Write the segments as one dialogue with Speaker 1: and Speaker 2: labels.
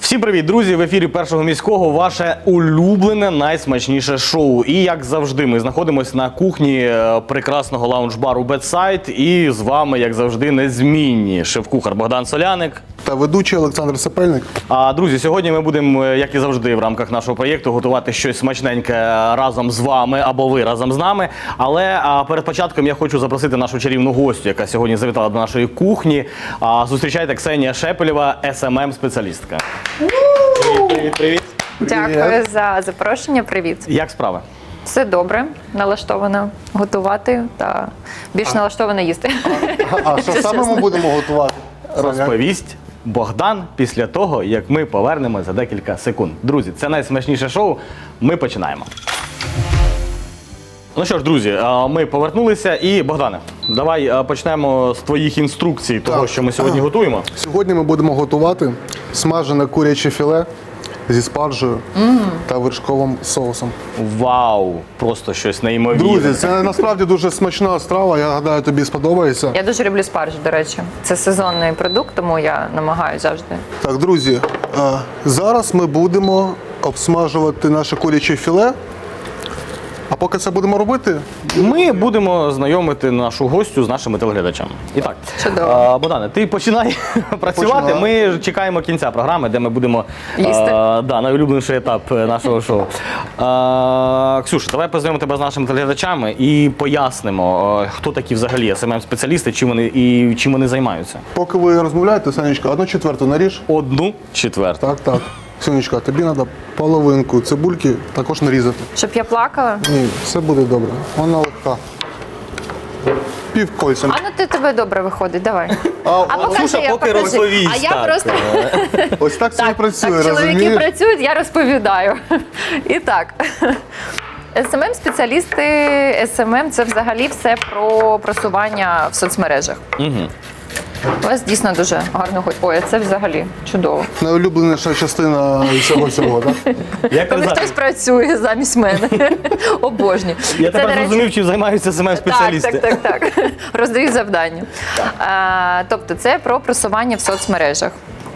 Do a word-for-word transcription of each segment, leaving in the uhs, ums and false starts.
Speaker 1: Всім привіт, друзі! В ефірі Першого міського ваше улюблене найсмачніше шоу. І як завжди, ми знаходимося на кухні прекрасного лаунж-бару Bedside. І з вами, як завжди, незмінні шеф-кухар Богдан Соляник
Speaker 2: та ведучий Олександр Сапельник.
Speaker 1: А, друзі, сьогодні ми будемо, як і завжди, в рамках нашого проєкту готувати щось смачненьке разом з вами або ви разом з нами. Але а, перед початком я хочу запросити нашу чарівну гостю, яка сьогодні завітала до нашої кухні. А, зустрічайте, Ксенія Шепелєва, ес ем ем-спеціалістка. Привіт, привіт, привіт.
Speaker 3: Дякую за запрошення. Привіт.
Speaker 1: Як справи?
Speaker 3: Все добре, налаштована готувати та більш налаштована їсти.
Speaker 2: А, а що саме ми будемо готувати?
Speaker 1: Розповість Богдан після того, як ми повернемося за декілька секунд. Друзі, це найсмачніше шоу. Ми починаємо. Ну що ж, друзі, ми повернулися. І, Богдане, давай почнемо з твоїх інструкцій того,
Speaker 2: Так.
Speaker 1: що ми сьогодні готуємо.
Speaker 2: Сьогодні ми будемо готувати смажене куряче філе зі спаржею mm. та вершковим соусом.
Speaker 1: Вау! Просто щось неймовірне.
Speaker 2: Друзі, це насправді дуже смачна страва, я гадаю, тобі сподобається.
Speaker 3: Я дуже люблю спаржу, до речі. Це сезонний продукт, тому я намагаюся завжди.
Speaker 2: Так, друзі, а, зараз ми будемо обсмажувати наше куряче філе. А поки це будемо робити,
Speaker 1: Ми будемо знайомити нашу гостю з нашими телеглядачами. І так,
Speaker 3: Чудово.
Speaker 1: а, Богдане, ти починай працювати.
Speaker 2: Починаю.
Speaker 1: Ми чекаємо кінця програми, де ми будемо
Speaker 3: Їсти.
Speaker 1: а, да, найулюбленіший етап нашого шоу. А, Ксюша, давай познайомимо тебе з нашими телеглядачами і пояснимо, а, хто такі взагалі ес ем ем-спеціалісти, чим вони і чим вони займаються.
Speaker 2: поки ви розмовляєте, Санечка, одну четверту наріж.
Speaker 1: Одну четверту.
Speaker 2: Так, так. Сонечка, тобі треба половинку цибульки також нарізати.
Speaker 3: Щоб я плакала?
Speaker 2: Ні, все буде добре. Вона легка. Пів кольця.
Speaker 3: А ну ти тебе добре виходить, давай.
Speaker 2: А,
Speaker 3: А покажи,
Speaker 1: Ксюша
Speaker 3: я
Speaker 1: поки
Speaker 3: покажу.
Speaker 1: розповість,
Speaker 3: А я
Speaker 1: так.
Speaker 3: просто...
Speaker 2: ось так це і
Speaker 3: Так,
Speaker 2: працює,
Speaker 3: так, чоловіки
Speaker 2: розумієш?
Speaker 3: працюють, я розповідаю. І так, ес ем ем-спеціалісти, ес ем ем – це взагалі все про просування в соцмережах.
Speaker 1: Угу.
Speaker 3: У вас дійсно дуже гарно ходить. Ой, це взагалі чудово.
Speaker 2: Найулюбленіша частина цього всього, так?
Speaker 1: Як
Speaker 3: Коли
Speaker 1: казати?
Speaker 3: хтось працює замість мене. Обожнюю.
Speaker 1: Я
Speaker 3: Це,
Speaker 1: тепер
Speaker 3: до речі,
Speaker 1: зрозумів, чим займаються ес ем ем-спеціалісти.
Speaker 3: Так, так, так, так. Роздають завдання. А, тобто це про просування в соцмережах.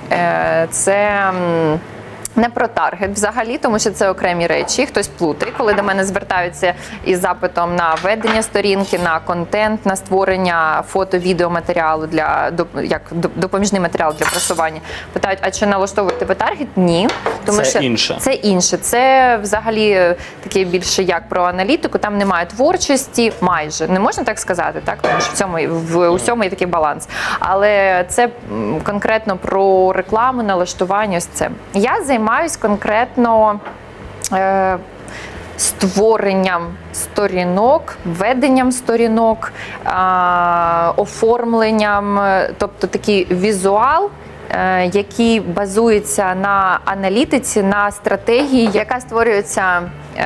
Speaker 3: Е, Це м, не про таргет взагалі, тому що це окремі речі. Хтось плутає, коли до мене звертаються із запитом на ведення сторінки, на контент, на створення фото-відеоматеріалу для доп- як доп- допоміжний матеріал для просування. Питають, а чи налаштовуєте ви таргет? Ні. Тому
Speaker 1: Це
Speaker 3: що
Speaker 1: інше.
Speaker 3: Це інше. Це взагалі таке більше як про аналітику. Там немає творчості, майже не можна так сказати, так тому що в цьому в усьому є такий баланс. Але це м, конкретно про рекламу, налаштування. Ось це я займаюсь конкретно. Е, Створенням сторінок, веденням сторінок, а, оформленням, тобто такий візуал, е, який базується на аналітиці, на стратегії, яка створюється е,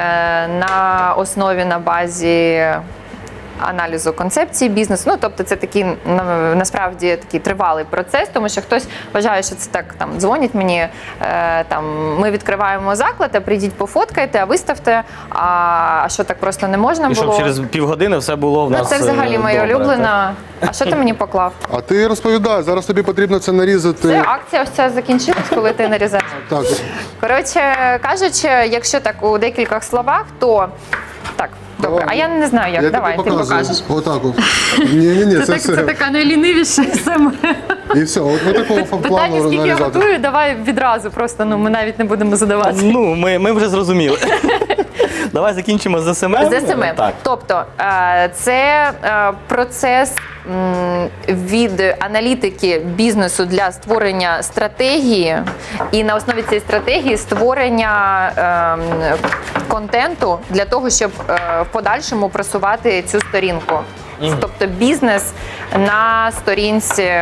Speaker 3: на основі, на базі аналізу концепції бізнесу. Ну, тобто це такий, на- насправді, такий тривалий процес, тому що хтось вважає, що це так, там, дзвонять мені, е, там, ми відкриваємо заклад, а прийдіть пофоткайте, а виставте, а, а що так просто не можна
Speaker 1: І
Speaker 3: було?
Speaker 1: щоб через півгодини все було в
Speaker 3: Ну,
Speaker 1: нас
Speaker 3: це взагалі
Speaker 1: е,
Speaker 3: моя
Speaker 1: добре,
Speaker 3: улюблена. А що ти мені поклав?
Speaker 2: А ти розповідай, зараз тобі потрібно це нарізати.
Speaker 3: Це акція ось ця закінчилась, коли ти нарізаєш.
Speaker 2: Так,
Speaker 3: Коротше кажучи, якщо так у декількох словах, то так, добре.
Speaker 2: Давай.
Speaker 3: А я не знаю як.
Speaker 2: я
Speaker 3: Давай,
Speaker 2: тобі
Speaker 3: ти
Speaker 2: показую.
Speaker 3: покажеш.
Speaker 2: Отак от. Ні-ні-ні, це,
Speaker 3: Це, так,
Speaker 2: все.
Speaker 3: це така найлінивіша саме.
Speaker 2: І все, от ми такого
Speaker 3: Питання,
Speaker 2: плану
Speaker 3: скільки я
Speaker 2: нарізати.
Speaker 3: готую, давай відразу, просто ну ми навіть не будемо задавати.
Speaker 1: Ну, ми, ми вже зрозуміли. Давай закінчимо з ес ем ем.
Speaker 3: З ес ем ем.
Speaker 1: Так.
Speaker 3: Тобто е, це е, процес м, від аналітики бізнесу для створення стратегії і на основі цієї стратегії створення е, контенту для того, щоб е, в подальшому просувати цю сторінку. Тобто бізнес на сторінці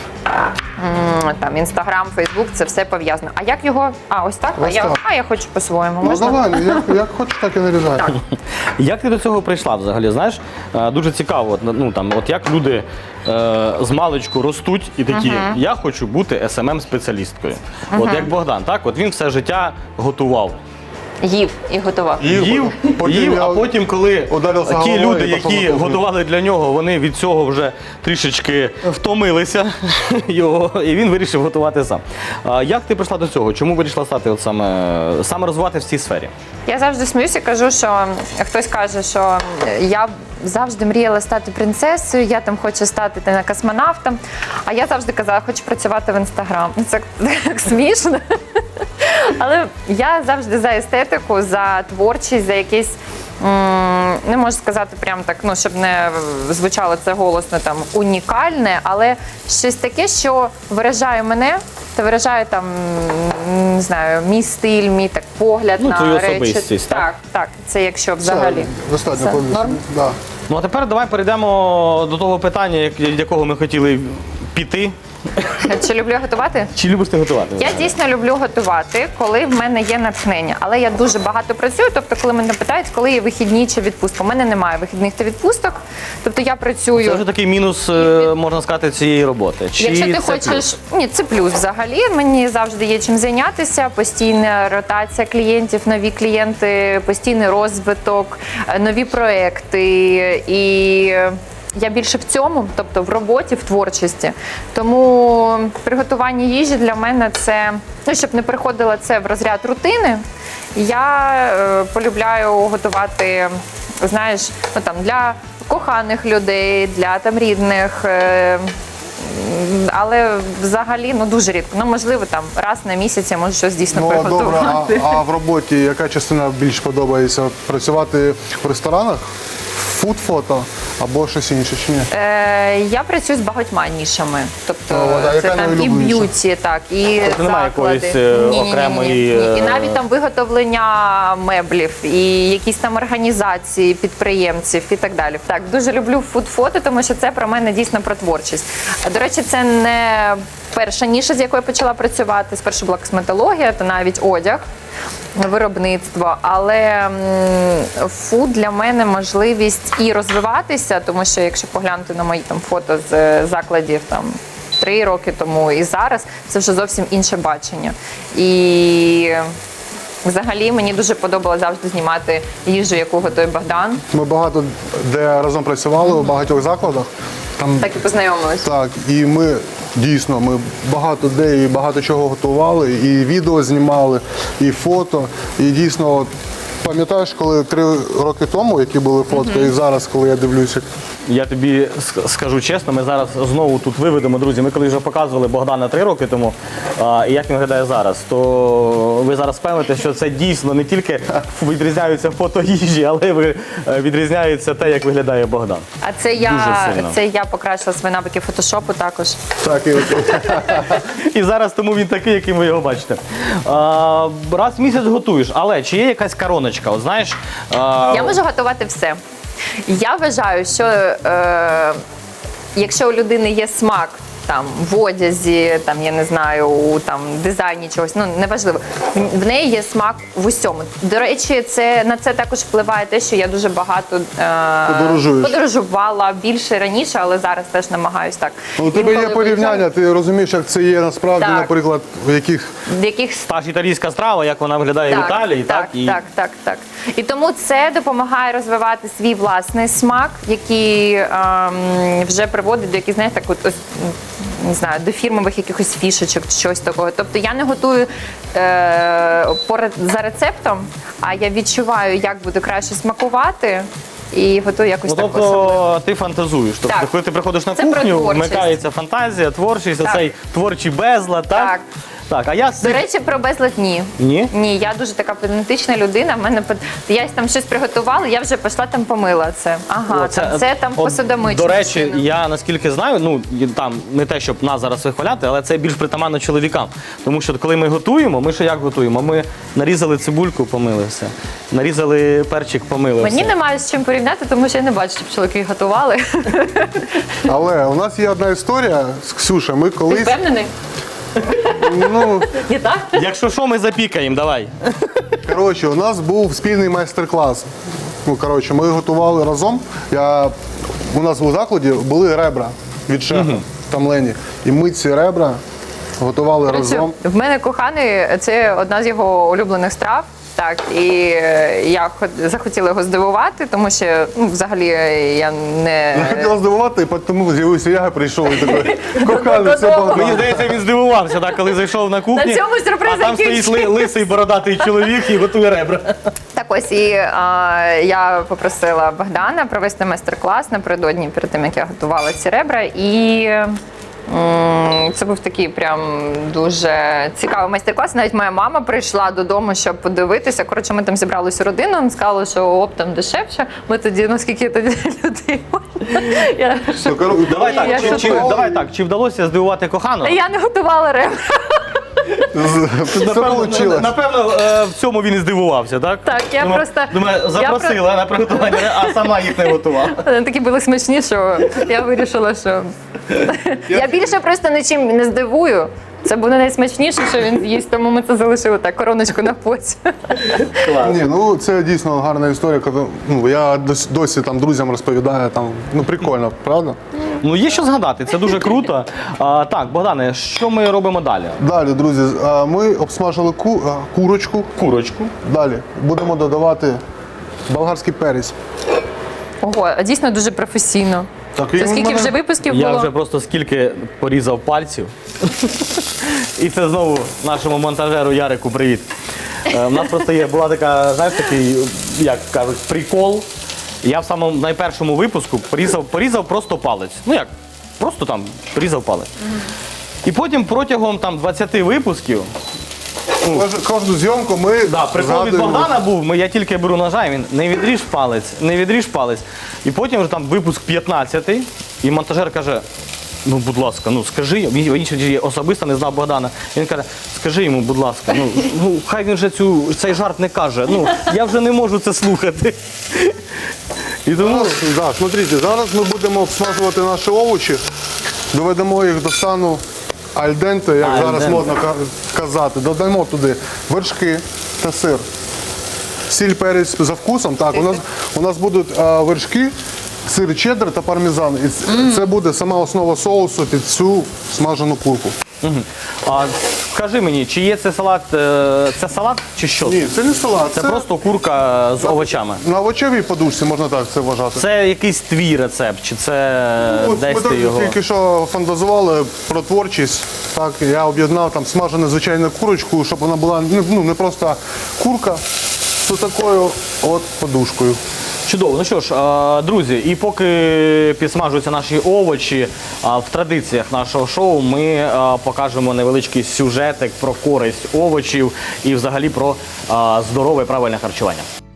Speaker 3: м, там Інстаграм, Фейсбук, це все пов'язано. А як його? А, ось так? А
Speaker 2: Ось
Speaker 3: я,
Speaker 2: так.
Speaker 3: а я хочу по-своєму.
Speaker 2: Ну
Speaker 3: Можна?
Speaker 2: давай, як, як хочеш, так і нарізай.
Speaker 3: Так.
Speaker 1: Як ти до цього прийшла взагалі? Знаєш, е, дуже цікаво, от, ну, там, от як люди е, з маличку ростуть і такі, я хочу бути ес ем ем-спеціалісткою. От як Богдан, так? От він все життя готував.
Speaker 3: Їв і готував.
Speaker 2: Їв,
Speaker 1: Їв,
Speaker 2: потім
Speaker 1: їв,
Speaker 2: я
Speaker 1: а потім, коли
Speaker 2: ударився
Speaker 1: ті
Speaker 2: головою
Speaker 1: люди,
Speaker 2: і пішов
Speaker 1: які
Speaker 2: на кухню.
Speaker 1: готували для нього, вони від цього вже трішечки втомилися його, і він вирішив готувати сам. А як ти прийшла до цього? Чому вирішила стати от саме, саме розвивати в цій сфері?
Speaker 3: Я завжди сміюся, кажу, що хтось каже, що я завжди мріяла стати принцесою, я там хочу стати там, космонавтом. А я завжди казала, хочу працювати в інстаграм. Це так смішно. Але я завжди за естетику, за творчість, за якісь, м, не можу сказати прям так, ну, щоб не звучало це голосно, там, унікальне, але щось таке, що виражає мене, та виражає там, м, не знаю, мій стиль, мій так погляд
Speaker 1: Ну,
Speaker 3: на
Speaker 1: твою
Speaker 3: речі.
Speaker 1: особистість, так?
Speaker 3: Так, так, це якщо взагалі.
Speaker 2: Все, достатньо
Speaker 3: Все,
Speaker 2: повністю.
Speaker 3: норм?
Speaker 2: Да.
Speaker 1: Ну а тепер давай перейдемо до того питання, як- від якого ми хотіли піти.
Speaker 3: Чи люблю готувати?
Speaker 1: Чи любиш ти готувати?
Speaker 3: Я дійсно люблю готувати, коли в мене є натхнення. Але я дуже багато працюю. Тобто, коли мене питають, коли є вихідні чи відпустка. У мене немає вихідних та відпусток. Тобто я працюю.
Speaker 1: Це вже такий мінус, е, можна сказати, цієї роботи. Чи
Speaker 3: Якщо ти
Speaker 1: це
Speaker 3: хочеш,
Speaker 1: плюс?
Speaker 3: ні, це плюс взагалі. Мені завжди є чим зайнятися. Постійна ротація клієнтів, нові клієнти, постійний розвиток, е, нові проекти і. Я більше в цьому, тобто в роботі, в творчості. Тому приготування їжі для мене це, ну, щоб не приходило це в розряд рутини, я е, полюбляю готувати, знаєш, ну, там, для коханих людей, для там рідних. Е, але взагалі ну дуже рідко. Ну можливо, там раз на місяць я можу щось дійсно
Speaker 2: Ну, а добре,
Speaker 3: приготувати.
Speaker 2: а, а в роботі яка частина більш подобається? Працювати в ресторанах, фуд-фото або щось інше, чи ні?
Speaker 3: Е, я працюю з багатьма нішами. Тобто
Speaker 2: Ну, от, а
Speaker 3: це
Speaker 2: яка
Speaker 3: там і
Speaker 2: найулюбленіша?
Speaker 3: б'юті, так, і
Speaker 1: Тобто немає
Speaker 3: заклади.
Speaker 1: якоїсь, е,
Speaker 3: Ні-ні-ні-ні.
Speaker 1: окремої,
Speaker 3: Ні. І
Speaker 1: е,
Speaker 3: навіть там виготовлення меблів, і якісь там організації підприємців і так далі. Так, дуже люблю фуд-фото, тому що це про мене дійсно про творчість. А, до речі, це не перша ніша, з якою я почала працювати. Спершу була косметологія, та навіть одяг. Виробництво, але м, фуд для мене можливість і розвиватися, тому що якщо поглянути на мої там фото з е, закладів там три роки тому і зараз, це вже зовсім інше бачення. І взагалі мені дуже подобалося завжди знімати їжу, яку готує Богдан.
Speaker 2: Ми багато де разом працювали у багатьох закладах. Там
Speaker 3: Так і познайомилися.
Speaker 2: так, і ми дійсно ми багато де і багато чого готували, і відео знімали, і фото. І дійсно, от, пам'ятаєш, коли три роки тому, які були фотки, і зараз, коли я дивлюся.
Speaker 1: Я тобі ск- скажу чесно, ми зараз знову тут виведемо, друзі. Ми коли вже показували Богдана три роки тому, а, і як він виглядає зараз, то ви зараз певните, що це дійсно не тільки відрізняються фото їжі, але ви- е, відрізняється те, як виглядає Богдан.
Speaker 3: А це я,
Speaker 1: Дуже сильно.
Speaker 3: це я покращила свої навики фотошопу також.
Speaker 2: Так, і
Speaker 1: І зараз тому він такий, яким ви його бачите. А, раз в місяць готуєш, але чи є якась короночка? От знаєш, а,
Speaker 3: Я можу готувати все. Я вважаю, що е, якщо у людини є смак там в одязі, там я не знаю, у там дизайні чогось, ну неважливо. В, в неї є смак в усьому. До речі, це на це також впливає те, що я дуже багато е,
Speaker 2: Подорожуєш.
Speaker 3: подорожувала більше раніше, але зараз теж намагаюсь так.
Speaker 2: у тебе є
Speaker 3: Інколи
Speaker 2: порівняння, ти розумієш, як це є насправді,
Speaker 3: Так.
Speaker 2: наприклад, в яких
Speaker 3: в яких
Speaker 1: та ж італійська страва, як вона виглядає в Італії, так?
Speaker 3: так,
Speaker 1: і
Speaker 3: так, так, так. І тому це допомагає розвивати свій власний смак, який ем, вже приводить до яких, знаєте, так от, ось, м, не знаю, до фірмових якихось фішечок чи щось такого. Тобто я не готую е, по ре- за рецептом, а я відчуваю, як буде краще смакувати. І готую якось
Speaker 1: Ну,
Speaker 3: так особливо.
Speaker 1: тобто ти фантазуєш. Тобто,
Speaker 3: Так.
Speaker 1: коли ти приходиш на
Speaker 3: Це про
Speaker 1: кухню,
Speaker 3: творчість.
Speaker 1: вмикається фантазія, творчість,
Speaker 3: Так.
Speaker 1: оцей творчий безлад, так?
Speaker 3: Так.
Speaker 1: Так, а я з
Speaker 3: До
Speaker 1: цих-
Speaker 3: речі, про безлад ні.
Speaker 1: Ні?
Speaker 3: Ні, я дуже така педантична людина. В мене пед- я там щось приготувала, я вже пішла там помила це. Ага,
Speaker 1: О,
Speaker 3: там, це там
Speaker 1: от,
Speaker 3: посудомична.
Speaker 1: До речі,
Speaker 3: машина.
Speaker 1: я наскільки знаю, ну і там не те, щоб нас зараз вихваляти, але це більш притаманно чоловікам. Тому що коли ми готуємо, ми що як готуємо? Ми нарізали цибульку, помили все. Нарізали перчик, помили
Speaker 3: Мені
Speaker 1: все.
Speaker 3: немає з чим порівняти, тому що я не бачу, щоб чоловіки готували.
Speaker 2: Але у нас є одна історія з Ксюшею. Ми
Speaker 3: Ти
Speaker 2: колись
Speaker 3: впевнений?
Speaker 2: ну
Speaker 3: Не так?
Speaker 1: Якщо що, ми запікаємо, давай.
Speaker 2: коротше, у нас був спільний майстер-клас. Ну коротше, ми готували разом. Я у нас у закладі були ребра від шефа там Лені. І ми ці ребра готували разом.
Speaker 3: В мене коханий, це одна з його улюблених страв. Так, і е, я хот- захотіла його здивувати, тому що ну, взагалі е, я не.
Speaker 2: Я хотіла здивувати, і тому з'явився я, прийшов і такий коханий, все
Speaker 3: Додому.
Speaker 1: Мені
Speaker 2: Богдан.
Speaker 1: здається, він здивувався, так, коли зайшов на кухню.
Speaker 3: На цьому сюрприз
Speaker 1: а там стоїть
Speaker 3: закінчився.
Speaker 1: ли- лисий бородатий чоловік і готує ребра.
Speaker 3: Так ось і а, я попросила Богдана провести майстер-клас напередодні, перед тим як я готувала ці ребра. І м, це був такий прям дуже цікавий майстер-клас. Навіть моя мама прийшла додому, щоб подивитися. Коротше, ми там зібрали всю родину, сказали, що оптом дешевше. Ми тоді, наскільки тоді людей. Я,
Speaker 2: Ну, коротше,
Speaker 1: Давай так,
Speaker 3: Я
Speaker 1: чи, чи,
Speaker 3: шокована.
Speaker 1: давай так, чи вдалося здивувати кохану?
Speaker 3: я не готувала ребра.
Speaker 2: Все
Speaker 1: Напевно,
Speaker 2: вийшло.
Speaker 1: напевно, е, в цьому він і здивувався, так?
Speaker 3: Так, я
Speaker 1: Думаю-
Speaker 3: просто-
Speaker 1: Думаю,
Speaker 3: я
Speaker 1: запросила на приготування, а сама їх не готувала.
Speaker 3: Вони такі були смачні, що я вирішила, що я більше просто нічим не здивую. Це буде найсмачніше, що він з'їсть, тому ми це залишили так, короночку на потім.
Speaker 2: Ні, ну це дійсно гарна історія. Коли, ну, я досі, досі там друзям розповідаю, там, ну прикольно, правда?
Speaker 1: Ну, є що згадати, це дуже круто. А, так, Богдане, що ми робимо далі?
Speaker 2: Далі, друзі, а, ми обсмажили ку, а, курочку.
Speaker 1: Курочку.
Speaker 2: Далі будемо додавати болгарський перець.
Speaker 3: Ого, а дійсно дуже професійно.
Speaker 2: Так,
Speaker 3: Це
Speaker 2: і
Speaker 3: скільки
Speaker 2: мене-
Speaker 3: вже випусків
Speaker 1: Я
Speaker 3: було?
Speaker 1: вже просто скільки порізав пальців. І це знову нашому монтажеру Ярику привіт. Е, У нас просто є, була така, знаєш, такий, як кажуть, прикол. Я в самому найпершому випуску порізав, порізав просто палець. Ну як, просто там порізав палець. І потім протягом там двадцяти випусків,
Speaker 2: Кож- Кожну зйомку ми
Speaker 1: да, прикол від
Speaker 2: згадуємо.
Speaker 1: Богдана був, ми, я тільки беру ножа, і він не відріж палець, не відріж палець. І потім вже там випуск п'ятнадцятий, і монтажер каже, ну, будь ласка, ну скажи, він, він ще особисто не знав Богдана. Він каже, скажи йому, будь ласка, ну, ну хай він вже цю, цей жарт не каже. Ну, я вже не можу це слухати. І тому
Speaker 2: Да, смотрите, зараз ми будемо обсмажувати наші овочі, доведемо їх до стану альденте, як
Speaker 1: Аль
Speaker 2: зараз
Speaker 1: денте.
Speaker 2: модно ка- казати. Додаємо туди вершки та сир. Сіль, перець за вкусом. Так, у нас, у нас будуть а, вершки, сир чеддер та пармезан. І ц- це буде сама основа соусу під цю смажену курку.
Speaker 1: а, скажи мені, чи є це салат, е, це салат чи що?
Speaker 2: Ні, це не салат,
Speaker 1: Це
Speaker 2: це,
Speaker 1: просто курка з овочами.
Speaker 2: на овочевій подушці, можна так це вважати.
Speaker 1: Це якийсь твій рецепт, чи це
Speaker 2: От
Speaker 1: десь
Speaker 2: ми
Speaker 1: ти
Speaker 2: так
Speaker 1: його?
Speaker 2: тільки що фантазували про творчість. Так, я об'єднав там смажену звичайну курочку, щоб вона була ну, ну, не просто курка з такою от подушкою.
Speaker 1: Чудово. Ну що ж, е, друзі, і поки підсмажуються наші овочі, е, в традиціях нашого шоу ми е, покажемо невеличкий сюжетик про користь овочів і взагалі про е, здорове і правильне харчування.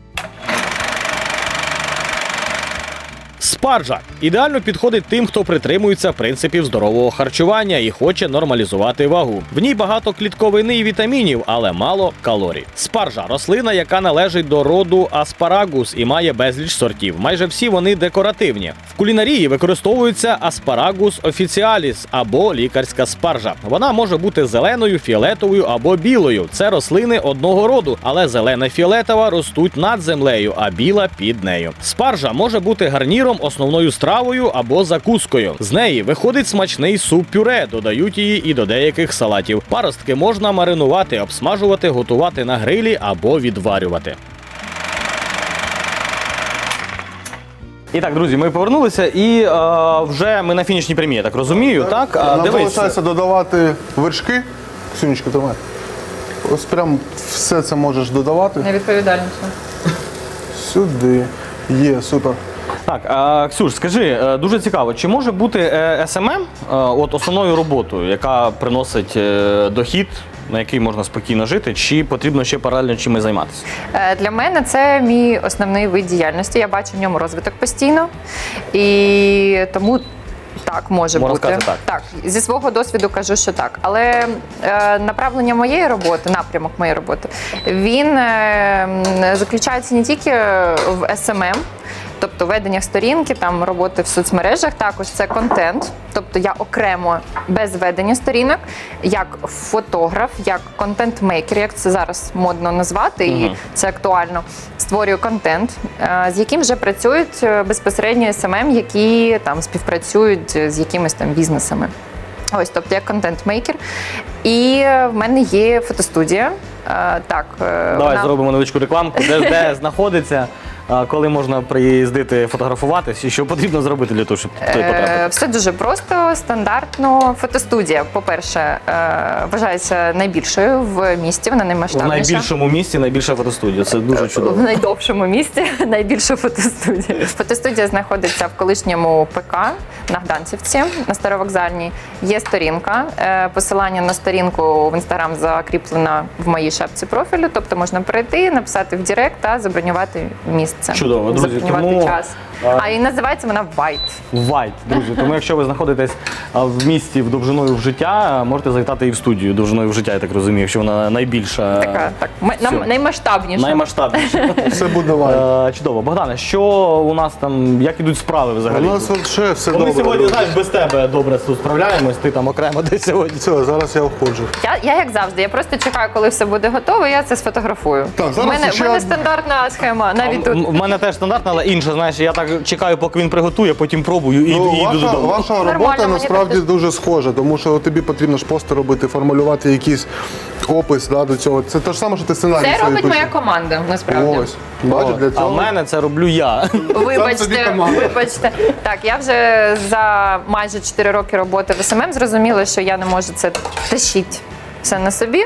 Speaker 1: Спаржа ідеально підходить тим, хто притримується принципів здорового харчування і хоче нормалізувати вагу. В ній багато клітковини і вітамінів, але мало калорій. Спаржа рослина, яка належить до роду аспарагус і має безліч сортів. Майже всі вони декоративні. В кулінарії використовується аспарагус офіціаліс або лікарська спаржа. Вона може бути зеленою, фіолетовою або білою. Це рослини одного роду, але зелена і фіолетова ростуть над землею, а біла під нею. Спаржа може бути гарніром, основною стравою або закускою. З неї виходить смачний суп-пюре, додають її і до деяких салатів. Паростки можна маринувати, обсмажувати, готувати на грилі або відварювати. І так, друзі, ми повернулися і е, вже ми на фінішній прямі, я так розумію, так? А,
Speaker 2: Нам
Speaker 1: дивись.
Speaker 2: залишається додавати вершки. Сюнечка, тримай. Ось прям все це можеш додавати.
Speaker 3: Найвідповідальніше.
Speaker 2: Сюди. Є, супер.
Speaker 1: Так, а, Ксюш, скажи, е, дуже цікаво, чи може бути ес ем ем е, от основною роботою, яка приносить е, дохід, на який можна спокійно жити, чи потрібно ще паралельно чимось займатися?
Speaker 3: Е, Для мене це мій основний вид діяльності. Я бачу в ньому розвиток постійно. І тому так може
Speaker 1: Можна
Speaker 3: бути.
Speaker 1: сказати так.
Speaker 3: Так, зі свого досвіду кажу, що так. Але е, направлення моєї роботи, напрямок моєї роботи, він е, заключається не тільки в ес ем ем, тобто ведення сторінки, там роботи в соцмережах, також це контент. Тобто я окремо без ведення сторінок, як фотограф, як контент-мейкер, як це зараз модно назвати, і це актуально. Створюю контент, е, з яким вже працюють е, безпосередньо ес ем ем, які там співпрацюють з якимись там бізнесами. Ось, тобто я контент-мейкер. І в мене є фотостудія. Е, так, е,
Speaker 1: Давай
Speaker 3: вона...
Speaker 1: зробимо невеличку рекламку, де, де знаходиться, а, коли можна приїздити фотографуватись і що потрібно зробити для того, щоб той
Speaker 3: Е,
Speaker 1: потрапити.
Speaker 3: Все дуже просто, стандартно. Фотостудія, по-перше, е, вважається найбільшою в місті, вона
Speaker 1: В
Speaker 3: наймасштабніша.
Speaker 1: найбільшому місці найбільша фотостудія. Це дуже
Speaker 3: В
Speaker 1: чудово.
Speaker 3: найдовшому місті найбільша фотостудія. Фотостудія знаходиться в колишньому ПК на Гданцівці, на Старовокзальній. Є сторінка. Е, Посилання на сторінку в інстаграм закріплено в моїй шапці профілю. Тобто можна перейти, написати в Директ та забронювати місце.
Speaker 1: Чудово, друзі,
Speaker 3: Забронювати
Speaker 1: тому,
Speaker 3: час.
Speaker 1: а-
Speaker 3: А і називається вона White.
Speaker 1: Вайт, друзі. Тому якщо ви знаходитесь а, в місті в довжиною в життя, можете завітати і в студію довжиною в життя, я так розумію, якщо вона найбільша.
Speaker 3: Така так м- нам-
Speaker 1: Все.
Speaker 3: наймасштабніша.
Speaker 1: Наймасштабніша.
Speaker 2: Все буде лайк.
Speaker 1: Е, Чудово. Богдане, що у нас там, як ідуть справи
Speaker 2: У
Speaker 1: взагалі?
Speaker 2: нас ще все
Speaker 1: Бо
Speaker 2: добре.
Speaker 1: Ми сьогодні,
Speaker 2: друзі.
Speaker 1: знаєш, без тебе добре тут справляємось, ти там окремо десь сьогодні.
Speaker 2: Все, зараз я входжу.
Speaker 3: Я, я як завжди, я просто чекаю, коли все буде готово, я це сфотографую.
Speaker 2: Так, зараз
Speaker 3: У мене,
Speaker 2: ще
Speaker 3: в мене
Speaker 2: одна-
Speaker 3: стандартна схема, навіть
Speaker 1: У
Speaker 3: тут.
Speaker 1: мене теж стандартна, але інша, знаєш, я так чекаю, поки він приготує, потім пробую і,
Speaker 2: Ну,
Speaker 1: і йду
Speaker 2: ваша,
Speaker 1: додому.
Speaker 2: ваша
Speaker 3: Нормально,
Speaker 2: робота
Speaker 3: мені
Speaker 2: насправді
Speaker 3: так теж.
Speaker 2: дуже схожа, тому що тобі потрібно ж пости робити, формулювати якийсь опис да, до цього. Це те ж саме, що ти сценарій
Speaker 3: Це
Speaker 2: свій
Speaker 3: робить
Speaker 2: пишеш.
Speaker 3: моя команда, насправді.
Speaker 2: Ось, бачиш, для
Speaker 1: А
Speaker 2: цього.
Speaker 1: в мене це роблю я.
Speaker 2: Сам собі
Speaker 3: Вибачте,
Speaker 2: команда.
Speaker 3: вибачте. Так, я вже за майже чотири роки роботи в ес ем ем зрозуміла, що я не можу це тащити все на собі.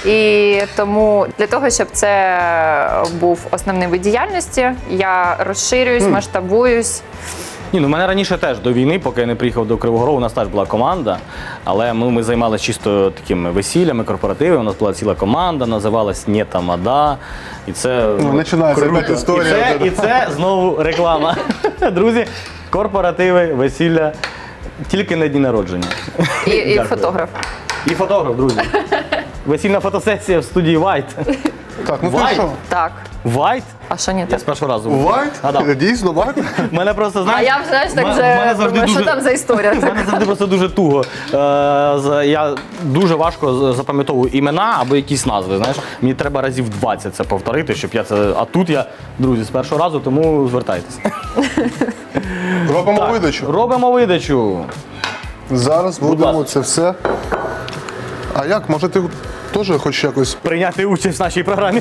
Speaker 3: І тому для того, щоб це був основний вид діяльності, я розширююсь, масштабуюсь.
Speaker 1: Ні, ну в мене раніше теж до війни, поки я не приїхав до Кривого Рогу, у нас теж була команда, але ми, ми займалися чисто такими весіллями, корпоративами. У нас була ціла команда, називалась «Не тамада». І це
Speaker 2: Ну, починається
Speaker 1: круто.
Speaker 2: опять історія.
Speaker 1: І це, і це знову реклама. Друзі, корпоративи, весілля, тільки на дні народження.
Speaker 3: І, і
Speaker 1: Дякую.
Speaker 3: фотограф.
Speaker 1: І фотограф, друзі. Весільна фотосесія в студії White.
Speaker 2: Так, ну ти
Speaker 1: Вайт.
Speaker 2: що?
Speaker 3: Так.
Speaker 1: White?
Speaker 3: А що ні
Speaker 1: Я
Speaker 3: так?
Speaker 1: з першого разу.
Speaker 2: Вайт?
Speaker 1: Гадав.
Speaker 2: Дійсно, вайт?
Speaker 1: Мене просто,
Speaker 3: А
Speaker 1: знаєш,
Speaker 3: я вже знаєш, так
Speaker 1: м-
Speaker 3: вже
Speaker 1: мене завжди
Speaker 3: думаю, що
Speaker 1: дуже-
Speaker 3: там за історія.
Speaker 1: У мене завжди просто дуже туго. Е, з- я дуже важко з- запам'ятовую імена або якісь назви. Знаєш, мені треба разів двадцять це повторити, щоб я це. А тут я, друзі, з першого разу, тому звертайтеся.
Speaker 2: Робимо видачу.
Speaker 1: Робимо видачу.
Speaker 2: Зараз будемо
Speaker 1: ласка.
Speaker 2: це все. А як? Може ти теж хочеш якось.
Speaker 1: Прийняти участь в нашій програмі.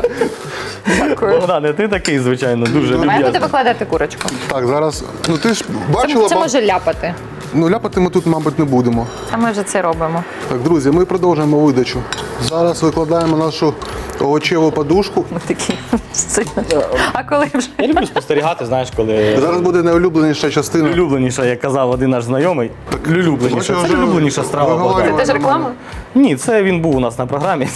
Speaker 3: Дякую.
Speaker 1: Богдане, ти такий, звичайно, дуже
Speaker 3: Має бути
Speaker 1: люб'язний.
Speaker 3: викладати курочку.
Speaker 2: Так, зараз. Ну ти ж
Speaker 3: Це,
Speaker 2: бачила,
Speaker 3: це
Speaker 2: ба-
Speaker 3: може ляпати.
Speaker 2: ну ляпати ми тут, мабуть, не будемо.
Speaker 3: А ми вже це робимо.
Speaker 2: Так, друзі, ми продовжуємо видачу. Зараз викладаємо нашу овочеву подушку.
Speaker 3: Ми такі сильно. А коли вже?
Speaker 1: Я люблю спостерігати, знаєш, коли.
Speaker 2: Зараз буде найулюбленіша частина.
Speaker 1: Улюбленіша, як казав один наш знайомий. Улюбленіша.
Speaker 2: Бачу,
Speaker 1: Це
Speaker 2: вже
Speaker 1: улюбленіша страва.
Speaker 2: виговорював.
Speaker 1: Богдана.
Speaker 3: Це теж реклама?
Speaker 1: Ні, це він був у нас на програмі.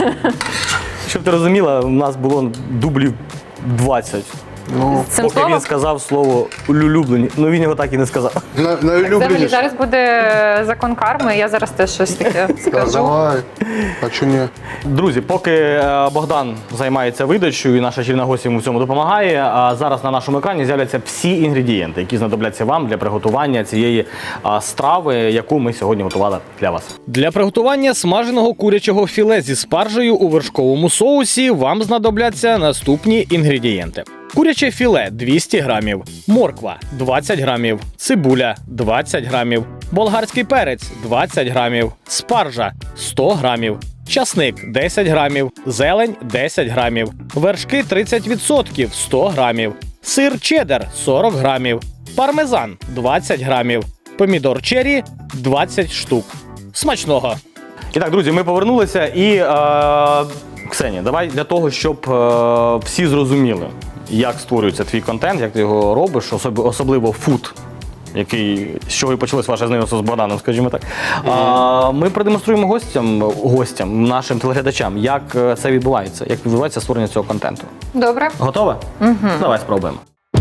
Speaker 1: Щоб ти розуміла, у нас було дублів двадцять.
Speaker 2: Ну,
Speaker 3: Цим
Speaker 1: Поки
Speaker 3: словом?
Speaker 1: він сказав слово улюблені. Ну він його так і не сказав.
Speaker 2: на-
Speaker 3: Взагалі
Speaker 2: найулюбленіша.
Speaker 3: зараз буде закон карми, я зараз теж щось таке
Speaker 2: Так,
Speaker 3: скажу.
Speaker 2: давай. А чому ні?
Speaker 1: Друзі, поки е, Богдан займається видачею і наша чільна гостя йому в цьому допомагає, а зараз на нашому екрані з'являться всі інгредієнти, які знадобляться вам для приготування цієї а, страви, яку ми сьогодні готували для вас. Для приготування смаженого курячого філе зі спаржею у вершковому соусі вам знадобляться наступні інгредієнти. Куряче філе двісті грамів, морква двадцять грамів, цибуля двадцять грамів, болгарський перець двадцять грамів, спаржа сто грамів, часник десять грамів, зелень десять грамів, вершки тридцять відсотків сто грамів, сир чеддер сорок грамів, пармезан двадцять грамів, помідор черрі двадцять штук. Смачного! І так, друзі, ми повернулися і е, Ксенія, давай для того, щоб е, всі зрозуміли, як створюється твій контент, як ти його робиш, особ- особливо фуд, який, з чого і почалось ваше знайомство з Богданом, скажімо так. А, ми продемонструємо гостям, гостям, нашим телеглядачам, як е, це відбувається, як відбувається створення цього контенту.
Speaker 3: Добре.
Speaker 1: Готова? Угу. Давай спробуємо.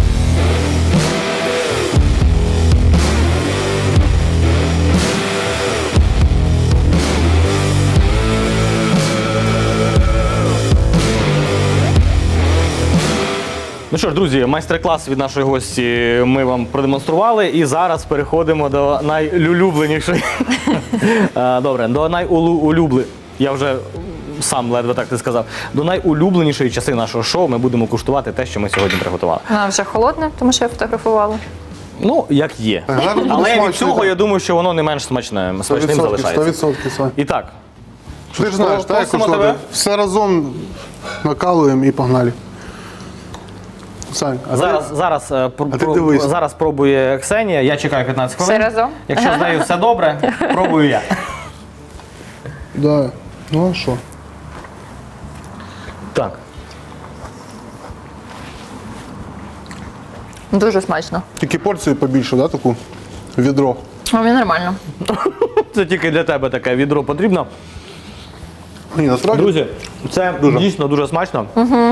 Speaker 1: Ну що ж, друзі, майстер-клас від нашої гості ми вам продемонстрували, і зараз переходимо до найулюбленішої. Е, Добре, до найулюбле. Я вже сам ледве так ти сказав. До найулюбленішої частини нашого шоу ми будемо куштувати те, що ми сьогодні приготували.
Speaker 3: Вона вже холодна, тому що я фотографувала.
Speaker 1: Ну, як є.
Speaker 2: Гарно буде
Speaker 1: Але від
Speaker 2: смачно,
Speaker 1: цього
Speaker 2: так.
Speaker 1: я думаю, що воно не менш смачне,
Speaker 2: сто
Speaker 1: смачним
Speaker 2: відсотків, сто
Speaker 1: залишається.
Speaker 2: відсотків, Сань.
Speaker 1: І так,
Speaker 2: Ти ж знаєш, так, як
Speaker 1: Просимо
Speaker 2: куштувати.
Speaker 1: тебе.
Speaker 2: Все разом накалуємо і погнали. Сань, а
Speaker 1: Зараз, зараз, е, пр-
Speaker 2: А ти
Speaker 1: пр-
Speaker 2: дивись.
Speaker 1: зараз пробує Ксенія, я чекаю п'ятнадцять хвилин.
Speaker 3: Все разом?
Speaker 1: Якщо з нею все добре, пробую я.
Speaker 2: Да. Ну а що?
Speaker 1: Так.
Speaker 3: Дуже смачно.
Speaker 2: Тільки порцію побільше, да, таку? Відро.
Speaker 3: А мені нормально.
Speaker 1: Це тільки для тебе таке відро потрібно.
Speaker 2: Ні, насправді.
Speaker 1: Друзі, це дійсно дуже смачно.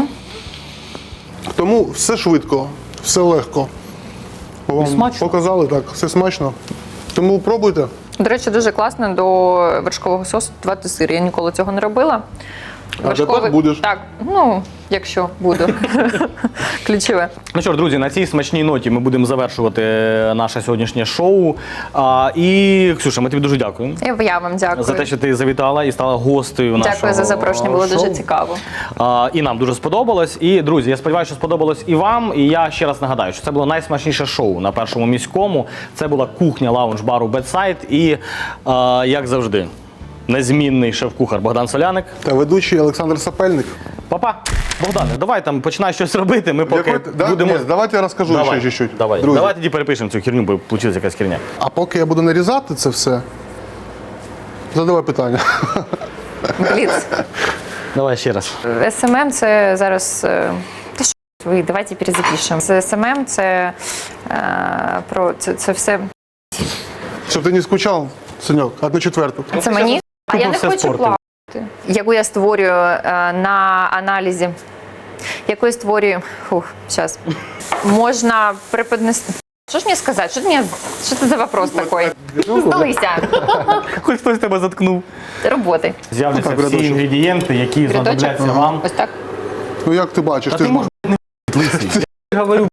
Speaker 2: Тому все швидко, все легко. Вам
Speaker 1: смачно.
Speaker 2: показали так, все смачно. Тому пробуйте.
Speaker 3: До речі, дуже класно до вершкового сосу додавати сир. Я ніколи цього не робила.
Speaker 2: А тепер будеш?
Speaker 3: Так, ну, якщо буду. Ключове.
Speaker 1: Ну що ж, друзі, на цій смачній ноті ми будемо завершувати наше сьогоднішнє шоу. А, і, Ксюша, ми тобі дуже дякуємо
Speaker 3: І я вам дякую.
Speaker 1: за те, що ти завітала і стала гостею нашого
Speaker 3: Дякую за запрошення, було
Speaker 1: шоу.
Speaker 3: дуже цікаво.
Speaker 1: А, і нам дуже сподобалось. І, друзі, я сподіваюся, що сподобалось і вам. І я ще раз нагадаю, що це було найсмачніше шоу на Першому міському. Це була кухня лаунж-бару Бедсайд. І, а, як завжди, незмінний шеф-кухар Богдан Соляник.
Speaker 2: Та ведучий Олександр Сапельник.
Speaker 1: Папа, Богдане, давай там починай щось робити. Ми поки
Speaker 2: Якої- да?
Speaker 1: будемо.
Speaker 2: Ні, давайте я розкажу
Speaker 1: Давай,
Speaker 2: ще чуть-чуть.
Speaker 1: Давай.
Speaker 2: Друзі.
Speaker 1: Давай тоді перепишемо цю херню, бо вийшла якась херня.
Speaker 2: А поки я буду нарізати це все, задавай питання.
Speaker 3: Бліц.
Speaker 1: Давай ще раз.
Speaker 3: ес ем ем це зараз. е, Та що ви, давайте перезапишемо. Це ес ем ем це е, про це, це все.
Speaker 2: Щоб ти не скучав, Саньок, одну четверту.
Speaker 3: Це мені. А я не
Speaker 1: все
Speaker 3: хочу
Speaker 1: спортив.
Speaker 3: плавати. Яку я створюю е, на аналізі. Яку я створюю. Фух, зараз. Можна преподнести. Що ж мені сказати? Що, ти мені... що це за вопрос такий? Здалися.
Speaker 1: Хоч хтось тебе заткнув.
Speaker 3: Роботи.
Speaker 1: З'являться
Speaker 2: Так,
Speaker 1: всі
Speaker 2: рядочок.
Speaker 1: інгредієнти, які
Speaker 3: Рядочок.
Speaker 1: знадобляться вам.
Speaker 3: Ось так.
Speaker 2: Ну як ти бачиш,
Speaker 1: Та
Speaker 2: ти
Speaker 1: ти
Speaker 2: ж
Speaker 1: можеш не лисий. Я говорю.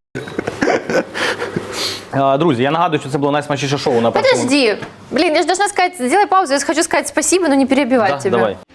Speaker 1: А, Друзі, я нагадую, що це було найсмачніше шоу на першому.
Speaker 3: Подожди. Блин, я же должна сказать, сделай паузу, я хочу сказать спасибо, но не перебивать
Speaker 1: Да,
Speaker 3: тебя.
Speaker 1: давай.